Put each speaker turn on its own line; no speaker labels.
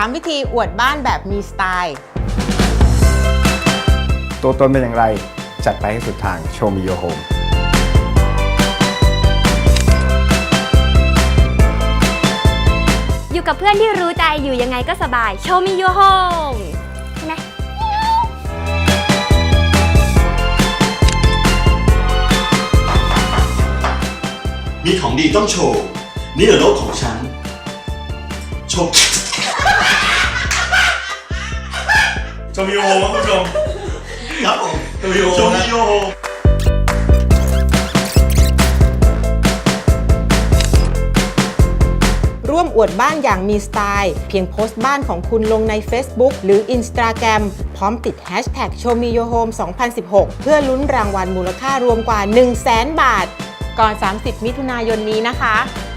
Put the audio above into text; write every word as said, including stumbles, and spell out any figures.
ามวิธีอวดบ้านแบบมีสไตล์
ตัวตนเป็นอย่างไรจัดไปให้สุดทาง Show Me Your Home
อยู่กับเพื่อนที่รู้ใจอยู่ยังไงก็สบาย Show Me Your Home ใช่ไหม
มีของดีต้องโชว์ นี่รถของฉัน โชว์
ชมวิวโฮมครับคุณผู้ชม
ครับผม
โชว์วิวโฮ
โชว์
นะ
มิโยโฮ
ร่วมอวดบ้านอย่างมีสไตล์ เพียงโพสต์บ้านของคุณลงใน Facebook หรือ Instagram พร้อมติด แฮชแท็ก โชว์มีโยโฮม สองพันสิบหก เพื่อลุ้นรางวัลมูลค่ารวมกว่า หนึ่งแสน บาท ก่อน สามสิบ มิถุนายนนี้นะคะ